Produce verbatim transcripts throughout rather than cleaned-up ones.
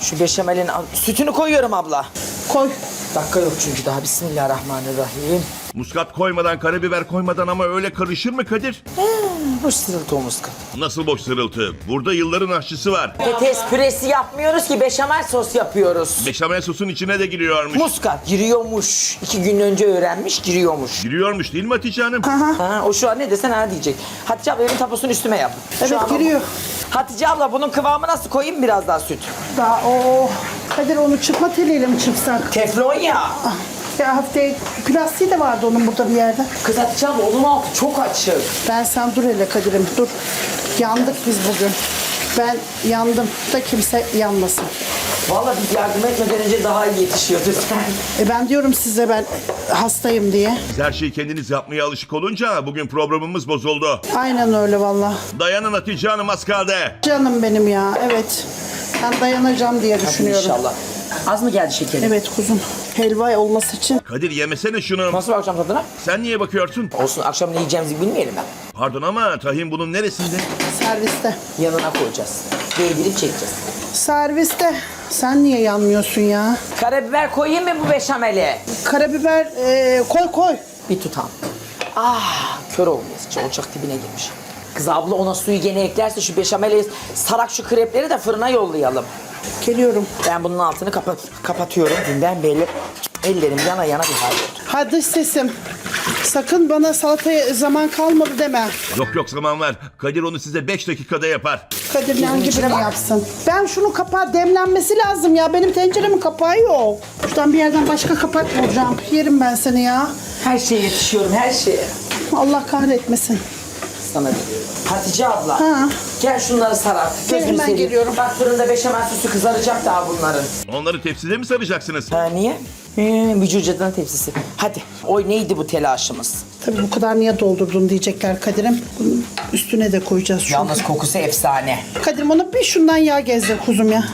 Şu beşamelin sütünü koyuyorum abla. Koy. Dakika yok çünkü daha. Bismillahirrahmanirrahim. Muskat koymadan, karabiber koymadan ama öyle karışır mı Kadir? Boş sırıltı o muskat. Nasıl boş sırıltı? Burada yılların aşçısı var. Patates püresi yapmıyoruz ki beşamel sos yapıyoruz. Beşamel sosun içine de giriyormuş. Muskat giriyormuş. İki gün önce öğrenmiş giriyormuş. Giriyormuş değil mi Hatice Hanım? Ha, o şu an ne desen ha diyecek. Hatice abla evin taposunu üstüme yap. Şu Evet, an- giriyor. Hatice abla bunun kıvamı nasıl, koyayım biraz daha süt? Daha o. Kadir onu çırpma teliyle mi çırpsak? Teflon ya. Ya hafifte plastiği de vardı onun burada bir yerde. Kız Hatice abla onun altı çok açık. Ben sen dur hele Kadir'im dur. Yandık biz bugün. Ben yandım da kimse yanmasın. Vallahi biz yardım etmeden önce daha iyi yetişiyordu. E ben diyorum size ben hastayım diye. Siz her şeyi kendiniz yapmaya alışık olunca bugün programımız bozuldu. Aynen öyle valla. Dayanın Hatice Hanım, az kaldı. Canım benim ya evet. Ben dayanacağım diye düşünüyorum. İnşallah. Az mı geldi şekerim? Evet kuzum. Helva olması için. Kadir yemesene şunu. Nasıl bakacağım tadına? Sen niye bakıyorsun? Olsun, akşam ne yiyeceğimizi bilmeyelim ben. Pardon ama tahin bunun neresinde? Serviste. Yanına koyacağız. Değdirip çekeceğiz. Serviste. Sen niye yanmıyorsun ya? Karabiber koyayım mı bu beşameli? Karabiber e, koy koy. Bir tutam. Ah, kör olmuş. Ocak dibine girmiş. Kız abla ona suyu gene eklerse şu beşameli sarak şu krepleri de fırına yollayalım. Geliyorum. Ben bunun altını kapat kapatıyorum. Ben belli ellerim yana yana bir hal oldu. Hadi sesim. Sakın bana salataya zaman kalmadı deme. Yok yok, zaman var. Kadir onu size beş dakikada yapar. Kadir yan gibi içine mi bak. yapsın? Ben şunu kapağı demlenmesi lazım ya. Benim tenceremin kapağı yok. Şuradan bir yerden başka kapak bulacağım. Yerim ben seni ya. Her şeye yetişiyorum, her şeye. Allah kahretmesin. Sana veriyorum. Hatice abla. Ha. Gel şunları sarar. Gel, Gözünü hemen seveyim. geliyorum. Bak fırında beşamel sosu kızaracak daha bunların. Onları tepside mi saracaksınız? Ha niye? Hmm, vücucadan tepsisi. Hadi. Oy neydi bu telaşımız? Tabii bu kadar niye doldurdun diyecekler Kadir'im. Bunun üstüne de koyacağız şunu. Yalnız kokusu efsane. Kadir'im ona bir şundan yağ gezdir kuzum ya.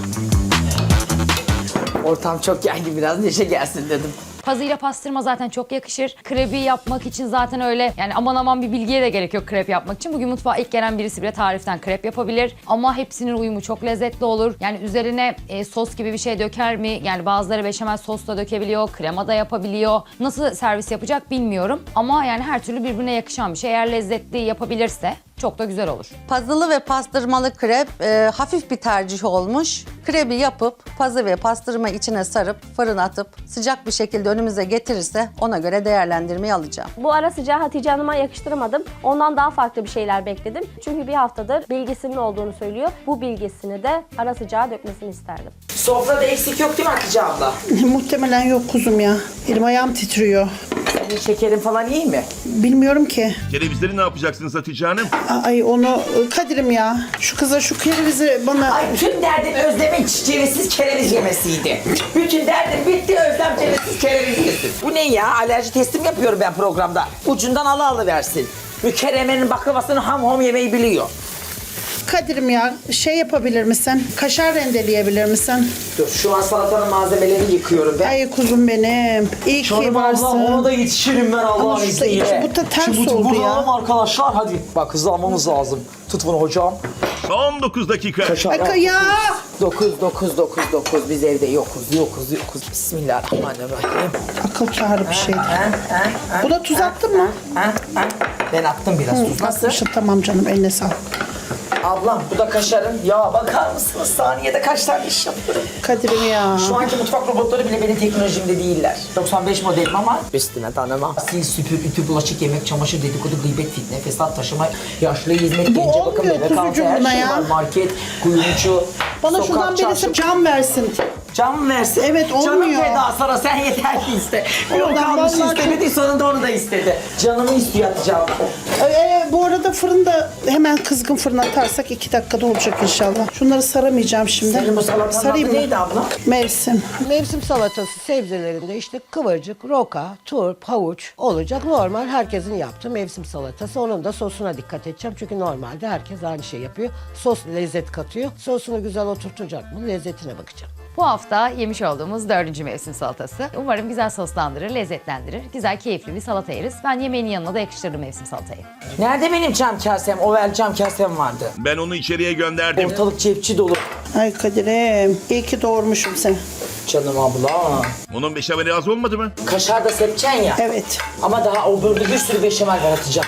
Ortam çok geldi, biraz neşe gelsin dedim. Pazıyla pastırma zaten çok yakışır. Krepi yapmak için zaten öyle yani aman aman bir bilgiye de gerek yok krep yapmak için. Bugün mutfağa ilk gelen birisi bile tariften krep yapabilir. Ama hepsinin uyumu çok lezzetli olur. Yani üzerine e, sos gibi bir şey döker mi? Yani bazıları beşamel sos da dökebiliyor, krema da yapabiliyor. Nasıl servis yapacak bilmiyorum. Ama yani her türlü birbirine yakışan bir şey. Eğer lezzetli yapabilirse çok da güzel olur. Pazılı ve pastırmalı krep e, hafif bir tercih olmuş. Krebi yapıp pazı ve pastırma içine sarıp fırına atıp sıcak bir şekilde önümüze getirirse ona göre değerlendirmeyi alacağım. Bu ara sıcağı Hatice Hanım'a yakıştıramadım. Ondan daha farklı bir şeyler bekledim. Çünkü bir haftadır bilgisinin olduğunu söylüyor. Bu bilgisini de ara sıcağı dökmesini isterdim. Sofrada eksik yok değil mi Hatice abla? Muhtemelen yok kuzum ya. Elim ayağım titriyor. Senin şekerin falan iyi mi? Bilmiyorum ki. Kerevizleri ne yapacaksınız Hatice Hanım? Ay onu Kadir'im ya. Şu kıza şu kerevizi bana... Ay bütün derdim Özlem'in cevizsiz kereviz yemesiydi. Bütün derdim bitti, Özlem cevizsiz kereviz yesin. Bu ne ya? Alerji testim yapıyorum ben programda. Ucundan ala alıversin. Mükerremenin baklavasını ham ham yemeyi biliyor. Kadir'im ya şey yapabilir misin? Kaşar rendeleyebilir misin? Dur şu an salatanın malzemelerini yıkıyorum ben. Ay kuzum benim. İyi ki Canım varsın. ablam ona da yetişirim ben Allah'ın Ama şu da izniyle. içi- bu da ters Şimdi oldu bunu ya. alalım arkadaşlar hadi. Bak hızlanmamız lazım. Tut bunu hocam. Son dokuz dakika. Ay ya! Dokuz, dokuz, dokuz, dokuz. Biz evde yokuz, yokuz, yokuz. Bismillahirrahmanirrahim. Akıl kârı bir şeydi. Ha, ha, ha, Buna tuz attın mı? ha, ha. Ben attım biraz tuz. Nasıl? Atmışım, tamam canım eline sağlık. Ablam bu da kaşarın. Ya bakar mısınız saniyede kaç tane iş yapıyorum. Kadir'im ya. Şu anki mutfak robotları bile benim teknolojimde değiller. doksan beş modelim ama üstüne tanımam. Sil, süpür, ütü, bulaşık, yemek, çamaşır, dedikodu, gıybet, fitne, fesat, taşıma, yaşlı hizmet, Bu gence bakım, olmuyor bebek altı, kuzucuğum her buna şey ya. var. Market, kuyumcu, Bana sokak, şuradan birisi çarşı. cam versin. Can versin. Evet, Canım olmuyor. feda sana, sen yeter ki iste. Yok Oradan almış vallahi istemedi, sonunda onu da istedi. Canımı istiyor atacağım. Ee, bu arada fırında hemen kızgın fırına atarsak iki dakikada olacak inşallah. Şunları saramayacağım şimdi. Senin bu salatanın Sarayım adı mı? neydi abla? Mevsim. Mevsim salatası sebzelerinde işte kıvırcık, roka, turp, havuç olacak. Normal herkesin yaptığı mevsim salatası. Onun da sosuna dikkat edeceğim. Çünkü normalde herkes aynı şey yapıyor. Sos lezzet katıyor. Sosunu güzel oturtacak mı? Lezzetine bakacağım. Bu hafta yemiş olduğumuz dördüncü mevsim salatası. Umarım güzel soslandırır, lezzetlendirir. Güzel, keyifli bir salata yeriz. Ben yemeğin yanına da yakıştırırım mevsim salatayı. Nerede Nerede benim cam kasem? Oval cam kasem vardı. Ben onu içeriye gönderdim. Ortalık cepçi dolu. Ay Kadir'im iyi ki doğurmuşum seni. Canım abla. Onun beşameli az olmadı mı? Kaşar da sepeceksin ya. Evet. Ama daha o bölümde bir sürü beşamel var atacağım.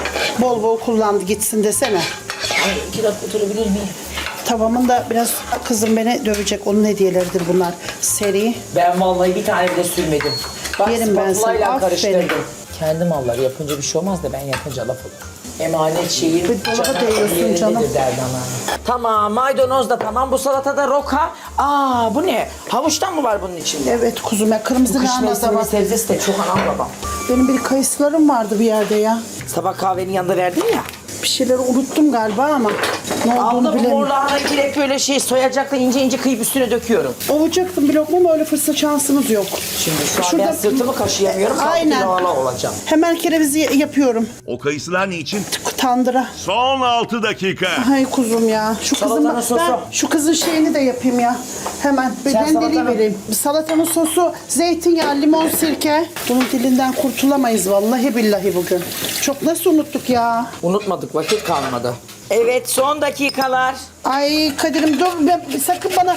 Bol bol kullandı gitsin desene. Ay iki dakika oturabilir miyim? Tavamın da biraz kızım beni dövecek. Onun hediyeleridir bunlar. Seri. Ben vallahi bir tane bile sürmedim. Bak Yerim ben spatulayla seni, karıştırdım. aferin. Kendi malları yapınca bir şey olmaz da ben yapınca laf olur. Emanet şeyin Bir dolaba canan değiyorsun yerindedir canım. derdi ana. Tamam maydanoz da tamam, bu salatada roka. Aa bu ne? Havuçtan mı var bunun içinde? Evet kuzum ya kırmızı Bu kış lahana da mevsiminin var. sebzesi de çok anam babam. Benim bir kayısılarım vardı bir yerde ya. Sabah kahvenin yanında verdin ya. Bir şeyleri unuttum galiba ama ne olduğunu Abla bu mor bilemiyorum. lahanayı direkt böyle şey soyacakla ince ince kıyıp üstüne döküyorum. Ovacaktım bir lokma ama öyle fırsat şansınız yok. Şimdi şu an Şurada- ben sırtımı kaşıyamıyorum. Aynen. Aynen. olacağım. Hemen kerevizi yapıyorum. O kayısılar ne için? Tandıra. Son altı dakika. Ay kuzum ya. Şu kızın Salatanın sosu. ben şu kızın şeyini de yapayım ya. Hemen bir Sen rendeliği salatanın- vereyim. Salatanın sosu, zeytinyağı, limon, sirke. Bunun dilinden kurtulamayız vallahi billahi bugün. Çok nasıl unuttuk ya? Unutmadık, vakit kalmadı. Evet, son dakikalar. Ay Kadir'im dur ben, sakın bana.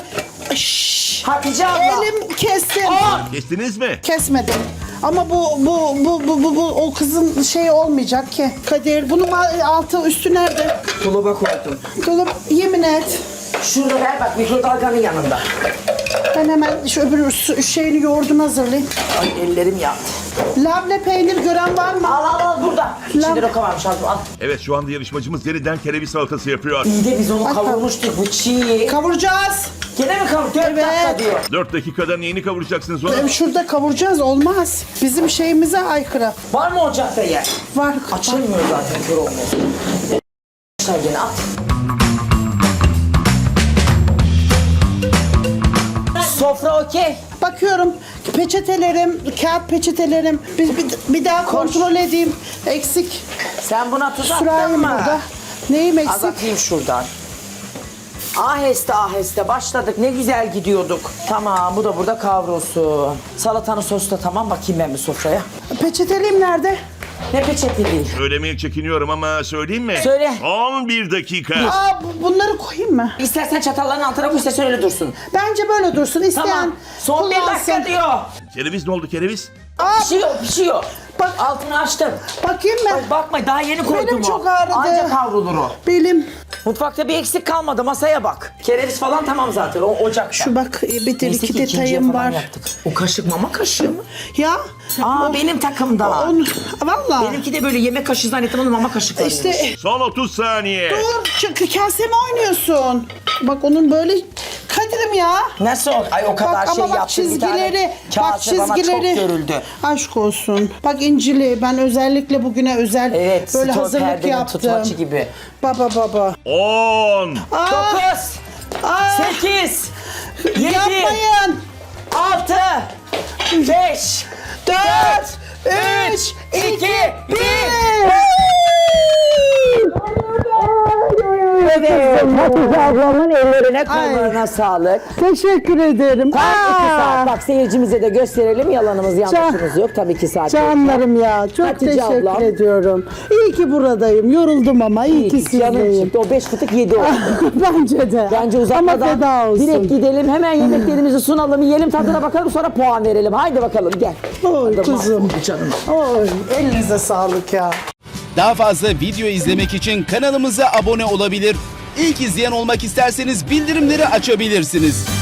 Şşş. Hatice abla. Elim kestim. Kestiniz mi? Kesmedim. Ama bu bu bu bu bu, bu o kızın şeyi olmayacak ki. Kadir bunun altı üstü nerede? Dolaba koydum. Dolap yemin et. Şurada ver bak, mikrodalganın yanında. Ben hemen şu öbür su- şeyini yoğurdunu hazırlayayım. Ay ellerim yandı. Labne peynir gören var mı? Al al al burada. İçinde Lan. roka varmış, al al. Evet şu anda yarışmacımız yeniden kereviz salatası yapıyor. İyi de biz onu Bak, kavurmuştuk, bu çiğ. Kavuracağız. Gene mi kavur? Dört Evet. dakika diyor. dört dakikada neyini kavuracaksınız onu? Ee, Şurada kavuracağız olmaz. Bizim şeyimize aykırı. Var mı ocakta yer? Var. Açılmıyor zaten, kör olmuyor. Sen gene at. Sofra okey. Bakıyorum peçetelerim, kağıt peçetelerim. Bir, bir, bir daha kontrol edeyim. Eksik. Sen buna tuz attın Sürahim mı? burada. Neyim Az eksik? atayım şuradan. Aheste aheste başladık. Ne güzel gidiyorduk. Tamam, bu da burada kavrulsun. Salatanın sosu da tamam. Bakayım ben bir sofraya. Peçeteliğim nerede? Ne peçete değil. Söylemeye çekiniyorum ama söyleyeyim mi? Söyle. on bir dakika. Aa bu- bunları koyayım mı? İstersen çatalların altına koy, istersen öyle dursun. Bence böyle dursun. İsteyen Tamam. Son bir dakika kullansın. diyor. Kereviz ne oldu kereviz? Aa, Pişiyor, pişiyor. Bak- Altını açtım. bakayım mı? Bak, bakma, daha yeni koydum Benim o. çok ağrıdı. Anca kavrulur o. Benim Mutfakta bir eksik kalmadı, masaya bak. Kereviz falan tamam zaten, o ocakta. şu bak bir de Neyse iki ki ikinciye detayım falan var. yaptık. O kaşık mama kaşığı mı? Ya. Aa o- benim takımda. Onu, valla. Benimki de böyle yemek kaşığı zannettim, onu mama kaşıkları. İşte Son otuz saniye. dur çünkü kaseme oynuyorsun. Bak onun böyle Kadir'im ya. Nasıl? Ay o kadar Bak şey ama bak yaptım, bir tane çizgileri, bak kase bana çizgileri. çok görüldü. Aşk olsun. Bak incili ben özellikle bugüne özel Evet, böyle stor hazırlık perdenin yaptım. tutmacı gibi. Baba baba. on. Aa, Dokuz, aa, sekiz, yedi, yapmayın. altı, beş, dört, üç, iki, bir. Evet, Hatice ablamın ellerine kollarına sağlık. Teşekkür ederim. Tam iki Aa, saat. Bak seyircimize de gösterelim. Yalanımız yanlışımız yok. Tabii iki saat. Canlarım ya çok Hatice teşekkür ablam. ediyorum. İyi ki buradayım. Yoruldum ama iyi, ki Canım sizdeyim. çıktı. O beş fıtık yedi oldu. Bence de. Bence Ama uzatmadan feda olsun. direkt gidelim. Hemen yemeklerimizi sunalım. Yiyelim, tadına bakalım, sonra puan verelim. Haydi bakalım gel. Oy Hadi kuzum. mahvoldu canım. Oy elinize sağlık ya. Daha fazla video izlemek için kanalımıza abone olabilir. İlk izleyen olmak isterseniz bildirimleri açabilirsiniz.